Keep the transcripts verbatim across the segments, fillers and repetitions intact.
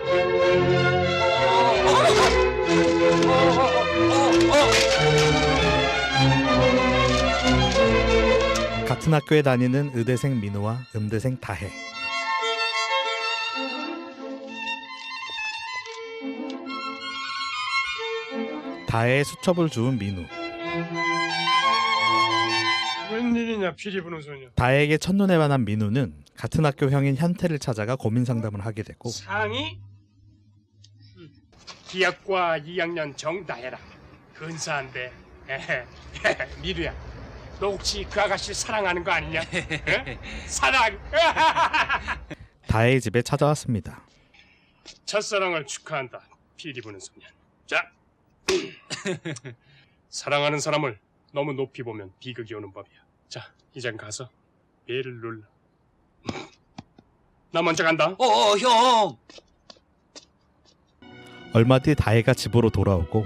같은 학교에 다니는 의대생 민우와 음대생 다혜. 다혜의 수첩을 주운 민우. 웬일이냐 피리 부는 소녀. 다혜에게 첫눈에 반한 민우는 같은 학교 형인 현태를 찾아가 고민 상담을 하게 되고, 상이 기학과 이 학년 정다혜라. 근사한데. 미루야, 너 혹시 그 아가씨 사랑하는 거 아니냐? 에? 사랑. 다혜의 집에 찾아왔습니다. 첫사랑을 축하한다. 피리 부는 소년. 자, 사랑하는 사람을 너무 높이 보면 비극이 오는 법이야. 자, 이젠 가서 배를 눌러. 나 먼저 간다. 어, 형. 얼마 뒤 다혜가 집으로 돌아오고,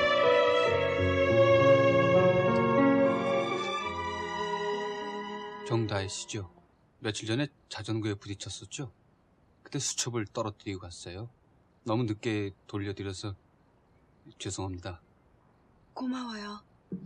정다혜 씨죠. 며칠 전에 자전거에 부딪혔었죠. 그때 수첩을 떨어뜨리고 갔어요. 너무 늦게 돌려드려서 죄송합니다. 고마워요.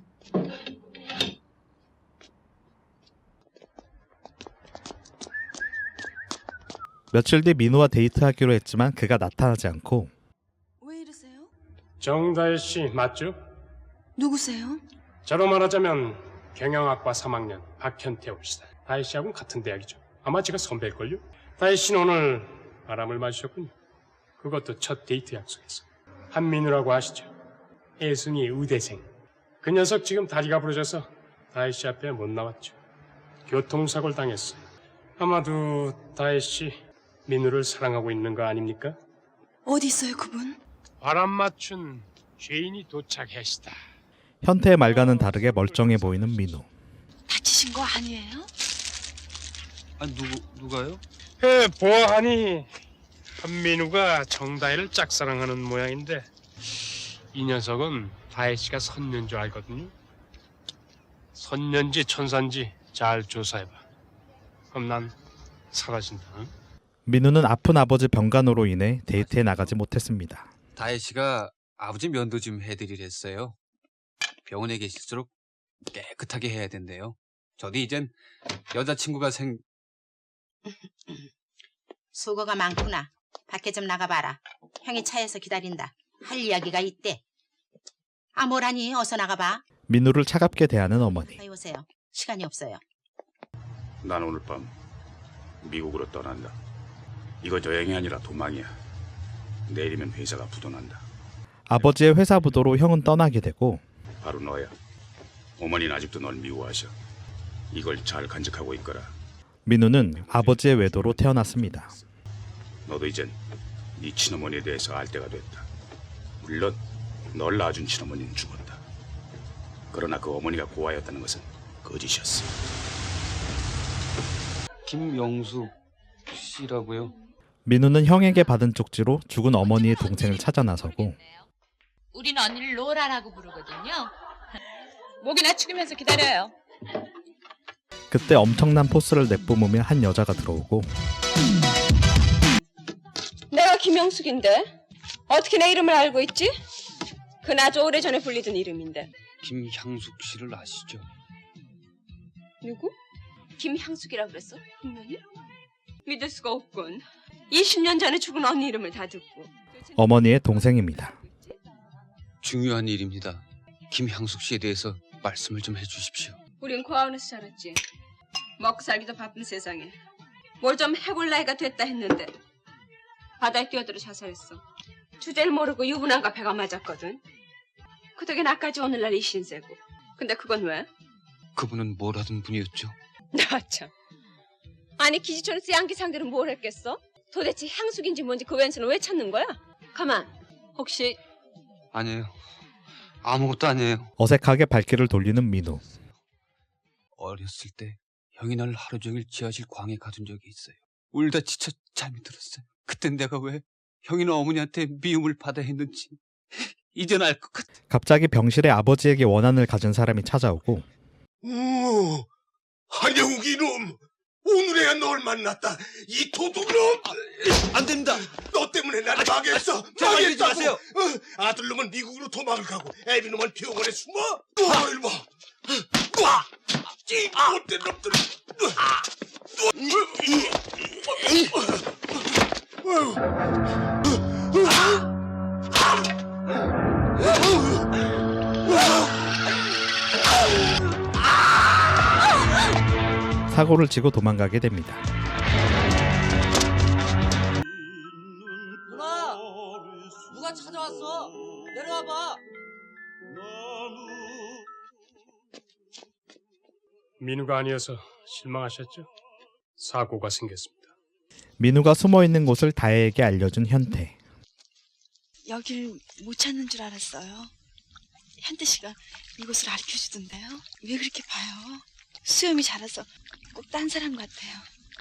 며칠 뒤 민우와 데이트하기로 했지만 그가 나타나지 않고, 왜 이러세요? 정다혜 씨 맞죠? 누구세요? 저로 말하자면 경영학과 삼 학년 박현태 옵시다. 다혜 씨하고는 같은 대학이죠. 아마 제가 선배일걸요? 다혜 씨는 오늘 바람을 맞으셨군요. 그것도 첫 데이트 약속에서. 한민우라고 아시죠? 애순이 의대생. 그 녀석 지금 다리가 부러져서 다혜 씨 앞에 못 나왔죠. 교통사고를 당했어요. 아마도 다혜 씨 민우를 사랑하고 있는 거 아닙니까? 어디 있어요, 그분? 바람 맞춘 죄인이 도착했시다. 현태의 말과는 다르게 멀쩡해 보이는 민우. 다치신 거 아니에요? 아, 누구, 누가요? 에, 보아하니 한민우가 정다혜를 짝사랑하는 모양인데 이 녀석은 다혜 씨가 선녀인 줄 알거든요. 선녀인지 천사인지 잘 조사해봐. 그럼 난 사라진다. 응? 민우는 아픈 아버지 병간호로 인해 데이트에 나가지 못했습니다. 다혜 씨가 아버지 면도 좀 해드리랬어요. 병원에 계실수록 깨끗하게 해야 된대요. 저도 이젠 여자친구가 생... 수고가 많구나. 밖에 좀 나가봐라. 형이 차에서 기다린다. 할 이야기가 있대. 아, 뭐라니? 어서 나가봐. 민우를 차갑게 대하는 어머니. 가까이 오세요. 시간이 없어요. 난 오늘 밤 미국으로 떠난다. 이거 여행이 아니라 도망이야. 내일이면 회사가 부도난다. 아버지의 회사 부도로 형은 떠나게 되고, 바로 너야. 어머니는 아직도 널 미워하셔. 이걸 잘 간직하고 있거라. 민우는 아버지의 외도로 태어났습니다. 너도 이젠 네 친어머니에 대해서 알 때가 됐다. 물론 널 낳아준 친어머니는 죽었다. 그러나 그 어머니가 고아였다는 것은 거짓이었어. 김영숙 씨라고요? 민우는 형에게 받은 쪽지로 죽은 어머니의 동생을 찾아 나서고, 우린 언니를 로라라고 부르거든요. 목이나 축이면서 기다려요. 그때 엄청난 포스를 내뿜으며 한 여자가 들어오고, 내가 김영숙인데 어떻게 내 이름을 알고 있지? 그건 아주 오래전에 불리던 이름인데. 김향숙 씨를 아시죠? 누구? 김향숙이라고 그랬어? 분명히? 믿을 수가 없군. 이십 년 전에 죽은 언니 이름을 다 듣고. 어머니의 동생입니다. 중요한 일입니다. 김향숙 씨에 대해서 말씀을 좀 해주십시오. 우린 고아원에서 자랐지. 먹고 살기도 바쁜 세상에 뭘 좀 해볼 나이가 됐다 했는데 바다에 뛰어들어 자살했어. 주제를 모르고 유부남과 배가 맞았거든. 그 덕에 나까지 오늘날 이 신세고. 근데 그건 왜? 그분은 뭘 하던 분이었죠? 나 참. 아니 기지촌 쌍기 상대는 뭘 했겠어? 도대체 향숙인지 뭔지 그 왼수는 왜 찾는 거야? 가만. 혹시 아니에요. 아무것도 아니에요. 어색하게 발길을 돌리는 민우. 어렸을 때 형이 날 하루 종일 지하실 광에 가둔 적이 있어요. 울다 지쳐 잠이 들었어요. 그땐 내가 왜 형이나 어머니한테 미움을 받아야 했는지 이젠 알 것 같아. 갑자기 병실에 아버지에게 원한을 가진 사람이 찾아오고, 오, 한영욱 이놈! 오늘에야 널 만났다. 이 도둑놈! 안 됩니다. 너 때문에 나를 망했어. 제발 이러지 망했다고. 마세요. 어, 아들놈은 미국으로 도망을 가고 애비놈은 병원에 숨어. 와, 이리 봐. 와, 이 못된 놈들. 사고를 치고 도망가게 됩니다. 누나! 누가 찾아왔어? 내려와봐! 민우가 아니어서 실망하셨죠? 사고가 생겼습니다. 민우가 숨어 있는 곳을 다혜에게 알려준 현태. 여길 못 찾는 줄 알았어요. 현태 씨가 이곳을 가르쳐 주던데요. 왜 그렇게 봐요? 수염이 자라서 꼭 딴 사람 같아요.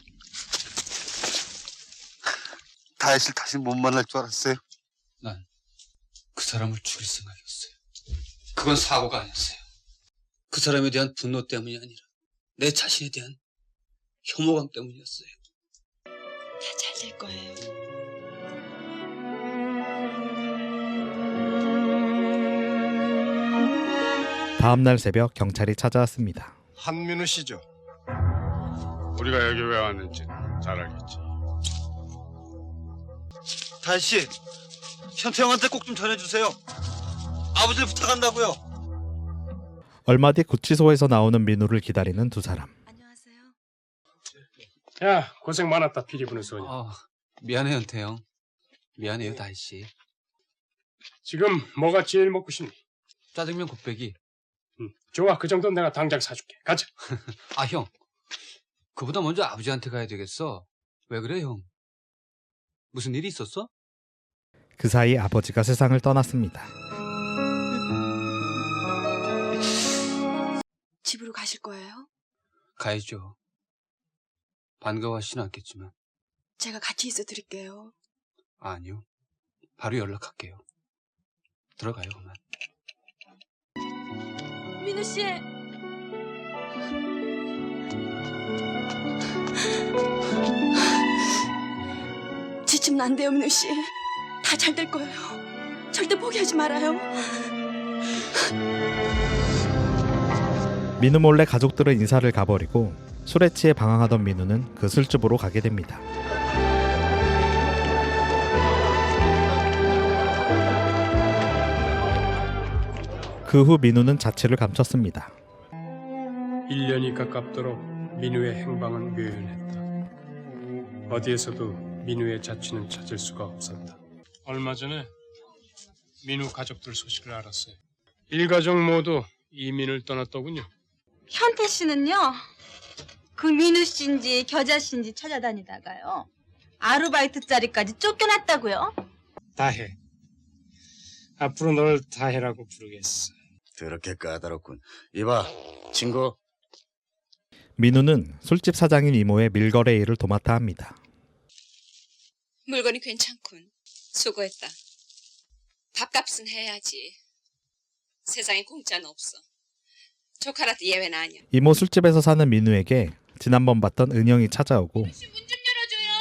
다혜 씨를 다시 못 만날 줄 알았어요. 난 그 사람을 죽일 생각이었어요. 그건 사고가 아니었어요. 그 사람에 대한 분노 때문이 아니라 내 자신에 대한 혐오감 때문이었어요. 다 잘 될 거예요. 다음 날 새벽 경찰이 찾아왔습니다. 한민우 씨죠? 우리가 여기 왜 왔는지 잘 알겠지. 다혜 씨, 현태 형한테 꼭 좀 전해주세요. 아버지를 부탁한다고요. 얼마 뒤 구치소에서 나오는 민우를 기다리는 두 사람. 안녕하세요. 야, 고생 많았다, 피리 부는 소녀. 아, 미안해요, 현태 형. 미안해요, 다혜 씨. 지금 뭐가 제일 먹고 싶니? 짜장면 곱빼기. 응, 좋아, 그 정도는 내가 당장 사줄게. 가자. 아, 형. 그보다 먼저 아버지한테 가야 되겠어. 왜 그래, 형? 무슨 일이 있었어? 그 사이 아버지가 세상을 떠났습니다. 집으로 가실 거예요? 가야죠. 반가워하시진 않겠지만. 제가 같이 있어 드릴게요. 아니요. 바로 연락할게요. 들어가요, 그만. 민우 씨. 지치면 안 돼요, 민우 씨. 다 잘 될 거예요. 절대 포기하지 말아요. 민우 몰래 가족들은 인사를 가버리고 술에 취해 방황하던 민우는 그 술집으로 가게 됩니다. 그 후 민우는 자취를 감췄습니다. 일 년이 가깝도록 민우의 행방은 묘연했다. 어디에서도 민우의 자취는 찾을 수가 없었다. 얼마 전에 민우 가족들 소식을 알았어요. 일가족 모두 이민을 떠났더군요. 현태 씨는요, 그 민우 씨인지 겨자 씨인지 찾아다니다가요, 아르바이트 자리까지 쫓겨났다고요? 다혜. 앞으로 널 다혜라고 부르겠어. 그렇게 까다롭군. 이봐, 친구. 민우는 술집 사장인 이모의 밀거래 일을 도맡아 합니다. 물건이 괜찮군. 수고했다. 밥값은 해야지. 세상에 공짜는 없어. 조카라도 예외는 아니야. 이모 술집에서 사는 민우에게 지난번 봤던 은영이 찾아오고 문 좀 열어줘요.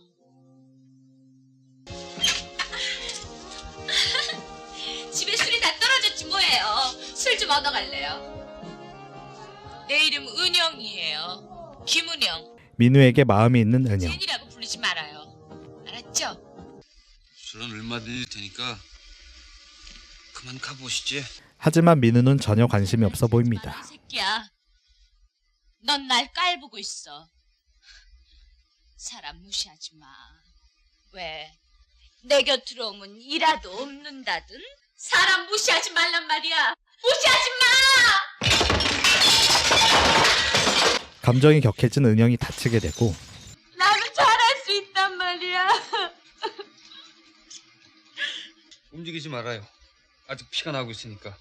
집에 술이 다 떨어졌지 뭐예요. 술 좀 얻어갈래요. 내 이름 은영이에요. 김은영. 민우에게 마음이 있는 은영. 제니라고 부르지 말아요. 알았죠? 술은 얼마든지 테니까 그만 가보시지. 하지만 민우는 전혀 관심이 없어 보입니다. 이 새끼야. 넌 날 깔보고 있어. 사람 무시하지 마. 왜? 내 곁으로 오면 이라도 없는다든? 사람 무시하지 말란 말이야. 무시하지 마! 감정이 격해진 은영이 다치게 되고 나도 잘할 수 있단 말이야. 움직이지 말아요. 아직 피가 나고 있으니까.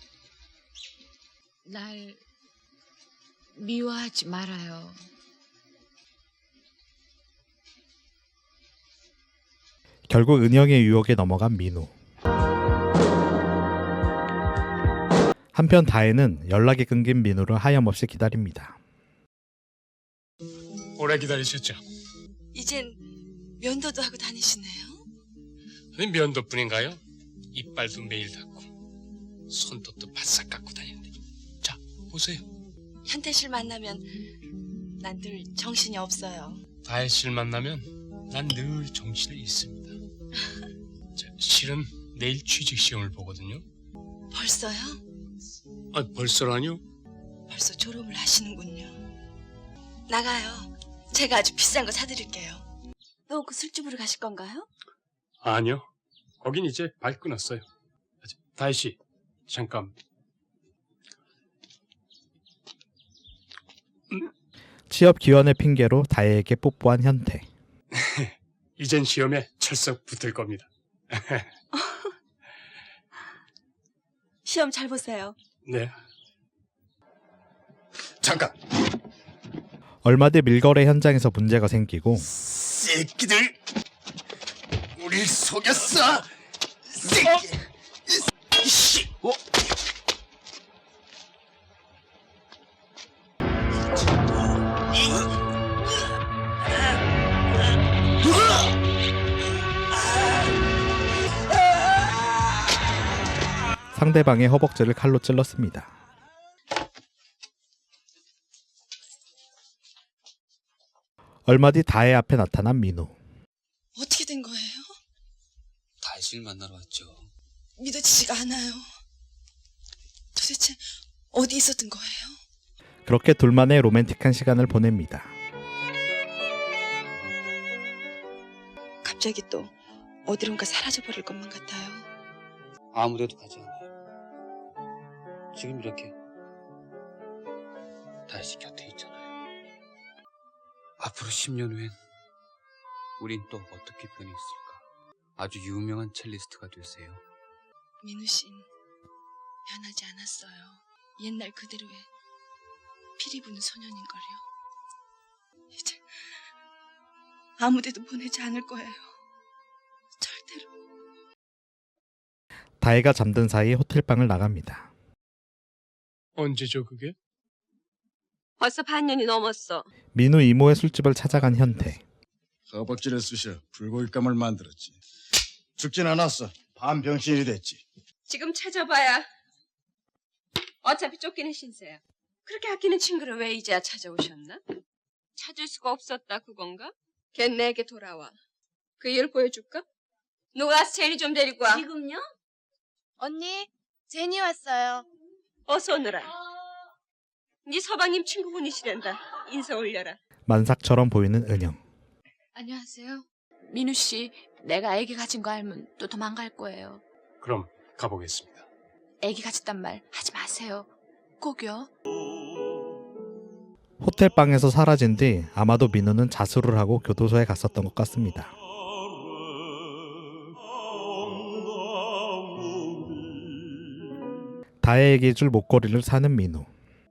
날 미워하지 말아요. 결국 은영의 유혹에 넘어간 민우. 한편 다혜는 연락이 끊긴 민우를 하염없이 기다립니다. 오래 기다리셨죠? 이젠 면도도 하고 다니시네요. 아니 면도뿐인가요? 이빨도 매일 닦고 손톱도 바싹 깎고 다니는데. 자, 보세요. 현태 씨를 만나면 난 늘 정신이 없어요. 다혜 씨를 만나면 난 늘 정신이 있습니다. 자, 실은 내일 취직 시험을 보거든요. 벌써요? 아, 벌써라뇨? 벌써 졸업을 하시는군요. 나가요. 제가 아주 비싼 거 사드릴게요. 또 그 술집으로 가실 건가요? 아니요. 거긴 이제 발 끊었어요. 다혜 씨, 잠깐. 취업 기원의 핑계로 다혜에게 뽀뽀한 현태. 이젠 시험에 철석 붙을 겁니다. 시험 잘 보세요. 네. 잠깐. 얼마 뒤 밀거래 현장에서 문제가 생기고 새끼들, 우릴 속였어. 새끼. 씨. 어? 상대방의 허벅지를 칼로 찔렀습니다. 얼마 뒤 다혜 앞에 나타난 민우. 어떻게 된 거예요? 다혜 씨를 만나러 왔죠. 믿어지지가 않아요. 도대체 어디 있었던 거예요? 그렇게 둘만의 로맨틱한 시간을 보냅니다. 갑자기 또 어디론가 사라져버릴 것만 같아요. 아무데도 가지 않아요. 지금 이렇게 다혜 씨 곁에 있잖아요. 앞으로 십 년 후엔 우린 또 어떻게 변해 있을까? 아주 유명한 첼리스트가 되세요. 민우 씨는 변하지 않았어요. 옛날 그대로의 피리 부는 소년인걸요. 이제 아무데도 보내지 않을 거예요. 절대로. 다혜가 잠든 사이 호텔방을 나갑니다. 언제죠 그게? 벌써 반년이 넘었어. 민우 이모의 술집을 찾아간 현태. 허벅지를 쑤셔 불고기감을 만들었지. 죽진 않았어. 반병신이 됐지. 지금 찾아봐야 어차피 쫓기는 신세야. 그렇게 아끼는 친구를 왜 이제야 찾아오셨나? 찾을 수가 없었다 그건가? 걔 내게 돌아와. 그 이유를 보여줄까? 누가 와서 제니 좀 데리고 와. 지금요? 언니, 제니 왔어요. 어서 오너라. 네 서방님 친구분이시란다. 인사 올려라. 만삭처럼 보이는 은영. 안녕하세요. 민우 씨, 내가 아기 가진 거 알면 또 도망갈 거예요. 그럼 가보겠습니다. 아기 가졌단 말 하지 마세요. 꼭요. 호텔방에서 사라진 뒤 아마도 민우는 자수를 하고 교도소에 갔었던 것 같습니다. 다혜에게 줄 목걸이를 사는 민우.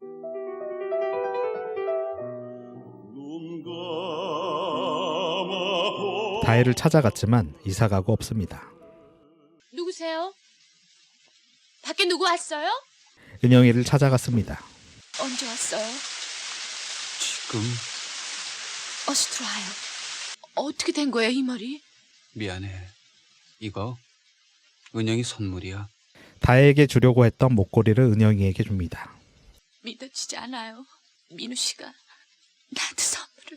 다혜를 찾아갔지만 이사가고 없습니다. 누구세요? 밖에 누구 왔어요? 은영이를 찾아갔습니다. 언제 왔어요? 지금 어서 들어와요. 어떻게 된 거예요, 이 머리? 미안해. 이거 은영이 선물이야. 다혜에게 주려고 했던 목걸이를 은영이에게 줍니다. 믿어지지 않아요. 민우 씨가 나한테 선물을.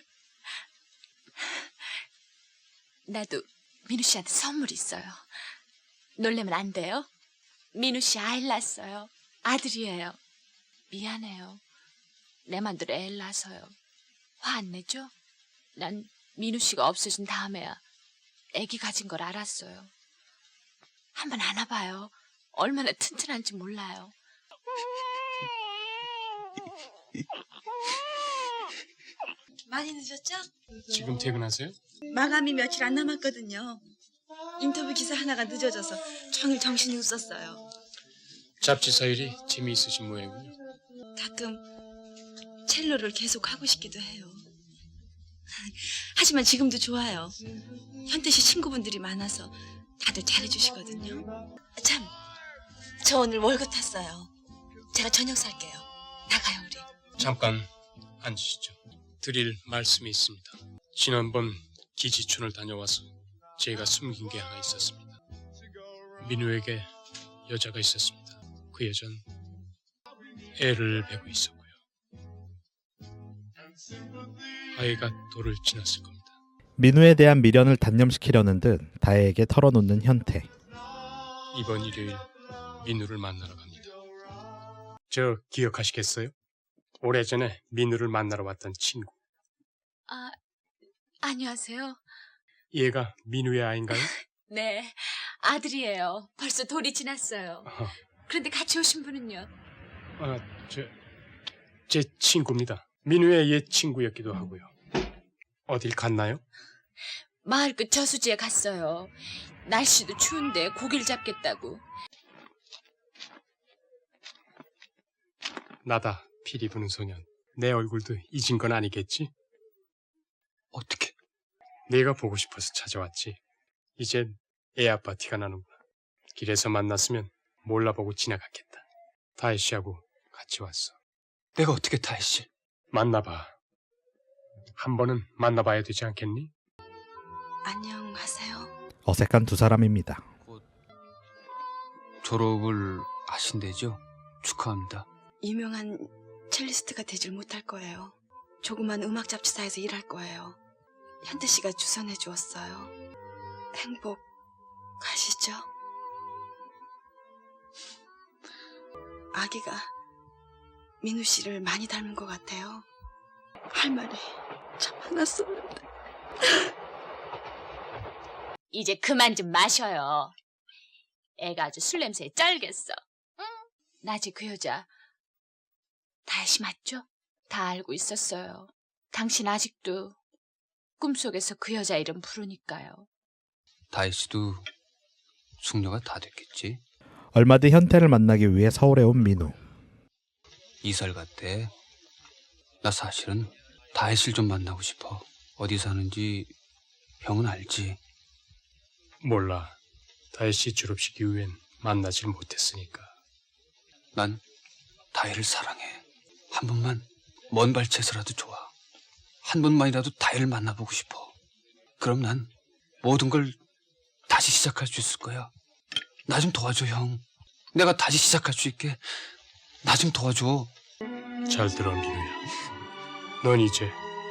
나도 민우 씨한테 선물이 있어요. 놀래면 안 돼요? 민우 씨 아이를 낳았어요. 아들이에요. 미안해요. 내 맘대로 애를 낳아서요. 화 안 내죠? 난 민우 씨가 없어진 다음에야 애기 가진 걸 알았어요. 한번 안아봐요. 얼마나 튼튼한지 몰라요. 많이 늦었죠? 지금 퇴근하세요? 마감이 며칠 안 남았거든요. 인터뷰 기사 하나가 늦어져서 종일 정신이 없었어요. 잡지사 일이 재미있으신 모양이군요. 가끔 첼로를 계속 하고 싶기도 해요. 하지만 지금도 좋아요. 현태 씨 친구분들이 많아서 다들 잘해주시거든요. 참, 저 오늘 월급 탔어요. 제가 저녁 살게요. 나가요, 우리. 잠깐 앉으시죠. 드릴 말씀이 있습니다. 지난번 기지촌을 다녀와서 제가 숨긴 게 하나 있었습니다. 민우에게 여자가 있었습니다. 그 여자는 애를 베고 있었고요. 아이가 돌을 지났을 겁니다. 민우에 대한 미련을 단념시키려는 듯 다혜에게 털어놓는 현태. 이번 일요일 민우를 만나러 갑니다. 저 기억하시겠어요? 오래전에 민우를 만나러 왔던 친구. 아, 안녕하세요. 얘가 민우의 아인가요? 네, 아들이에요. 벌써 돌이 지났어요. 어, 그런데 같이 오신 분은요? 아, 저, 제 친구입니다. 민우의 옛 친구였기도 하고요. 어딜 갔나요? 마을 끝 저수지에 갔어요. 날씨도 추운데 고기를 잡겠다고. 나다, 피리 부는 소년. 내 얼굴도 잊은 건 아니겠지? 어떻게? 내가 보고 싶어서 찾아왔지. 이젠 애 아빠 티가 나는구나. 길에서 만났으면 몰라보고 지나갔겠다. 다혜 씨하고 같이 왔어. 내가 어떻게 다혜 씨? 만나봐. 한 번은 만나봐야 되지 않겠니? 안녕하세요. 어색한 두 사람입니다. 졸업을 하신대죠? 축하합니다. 유명한 첼리스트가 되질 못할 거예요. 조그만 음악 잡지사에서 일할 거예요. 현태 씨가 주선해 주었어요. 행복 가시죠? 아기가 민우 씨를 많이 닮은 것 같아요. 할 말이 참 많았었는데. 이제 그만 좀 마셔요. 애가 아주 술 냄새에 쩔겠어. 응? 낮에 그 여자 다혜 씨 맞죠? 다 알고 있었어요. 당신 아직도 꿈속에서 그 여자 이름 부르니까요. 다혜 씨도 숙녀가 다 됐겠지? 얼마 뒤 현태를 만나기 위해 서울에 온 민우. 이설 갔대. 나 사실은 다혜 씨를 좀 만나고 싶어. 어디 사는지 형은 알지? 몰라. 다혜 씨 졸업식 이후엔 만나질 못했으니까. 난 다혜를 사랑해. 한 번만 먼 발치에서라도 좋아. 한 번만이라도 다혜를 만나보고 싶어. 그럼 난 모든 걸 다시 시작할 수 있을 거야. 나 좀 도와줘, 형. 내가 다시 시작할 수 있게 나 좀 도와줘. 잘 들어, 민우야. 넌 이제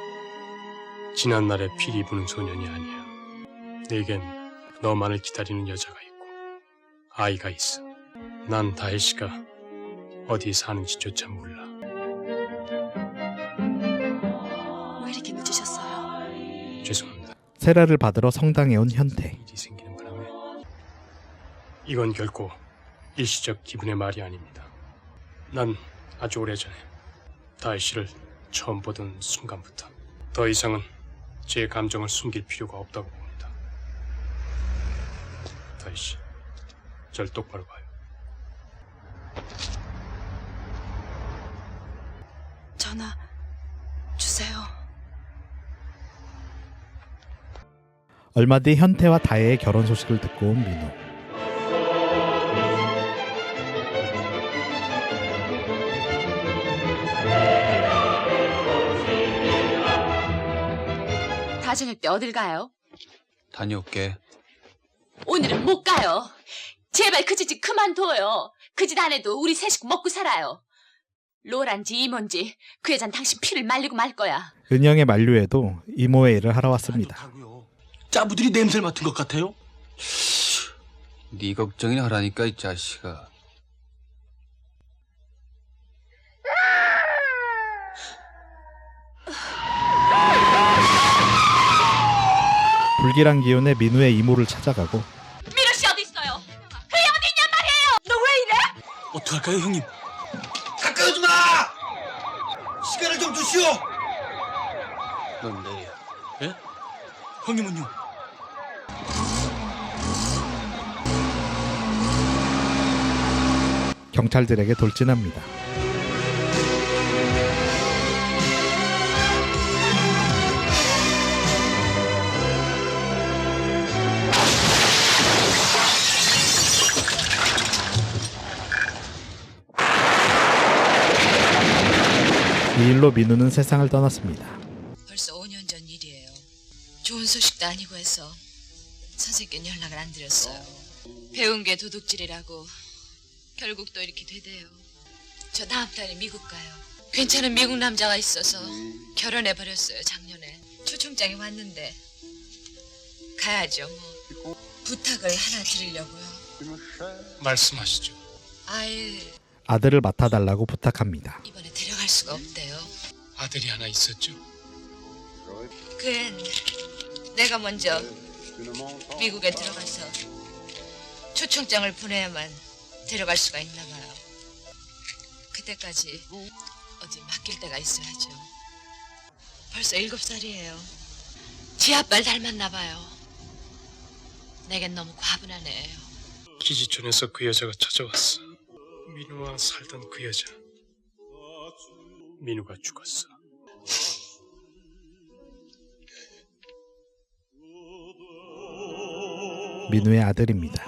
지난날의 피리 부는 소년이 아니야. 내겐 너만을 기다리는 여자가 있고 아이가 있어. 난 다혜 씨가 어디 사는지조차 몰라. 왜 이렇게 늦으셨어요? 죄송합니다. 세례를 받으러 성당에 온 현태. 일이 생기는 바람에. 이건 결코 일시적 기분의 말이 아닙니다. 난 아주 오래전에 다혜 씨를 처음 보던 순간부터 더 이상은 제 감정을 숨길 필요가 없다고 봅니다. 다혜 씨, 절 똑바로 봐요. 전화 주세요. 얼마 뒤 현태와 다혜의 결혼 소식을 듣고 온 민우. 다 저녁 때 어딜 가요? 다녀올게. 오늘은 못 가요. 제발 그 짓 그만둬요. 그 짓 안 해도 우리 세 식구 먹고 살아요. 로란지 이모인지 그 여잔 당신 피를 말리고 말 거야. 은영의 만류에도 이모의 일을 하러 왔습니다. 짜부들이 냄새를 맡은 것 같아요? 네 걱정이나 하라니까 이 자식아. 불길한 기운에 민우의 이모를 찾아가고 민우 씨 어디 있어요? 그 애 어디 있냔 말이에요. 너 왜 이래? 어떡할까요, 형님? 가까이 오지 마! 시간을 좀 주시오! 넌 내려. 예? 형님은요? 경찰들에게 돌진합니다. 이 일로 민우는 세상을 떠났습니다. 좋은 소식도 아니고 해서 선생님께 연락을 안 드렸어요. 배운 게 도둑질이라고 결국 또 이렇게 되대요. 저 다음 달에 미국 가요. 괜찮은 미국 남자가 있어서 결혼해버렸어요, 작년에. 초청장이 왔는데 가야죠, 뭐. 부탁을 하나 드리려고요. 말씀하시죠. 아이, 아들을 맡아달라고 부탁합니다. 이번에 데려갈 수가 없대요. 아들이 하나 있었죠. 그엔 내가 먼저 미국에 들어가서 초청장을 보내야만 데려갈 수가 있나 봐요. 그때까지 어디 맡길 데가 있어야죠. 벌써 일곱 살이에요. 지 아빠를 닮았나 봐요. 내겐 너무 과분한 애예요. 기지촌에서 그 여자가 찾아왔어. 민우와 살던 그 여자. 민우가 죽었어. 민우의 아들입니다.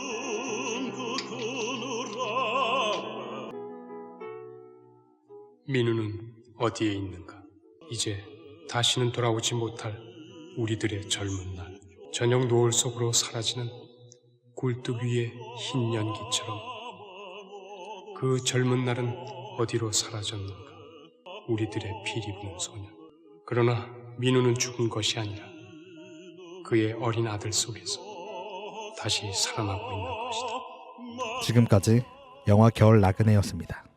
민우는 어디에 있는가? 이제 다시는 돌아오지 못할 우리들의 젊은 날. 저녁 노을 속으로 사라지는 굴뚝 위의 흰 연기처럼 그 젊은 날은 어디로 사라졌는가? 우리들의 피리 부는 소년. 그러나 민우는 죽은 것이 아니라 그의 어린 아들 속에서 다시 살아나고 있는 것이다. 지금까지 영화 겨울 나그네였습니다.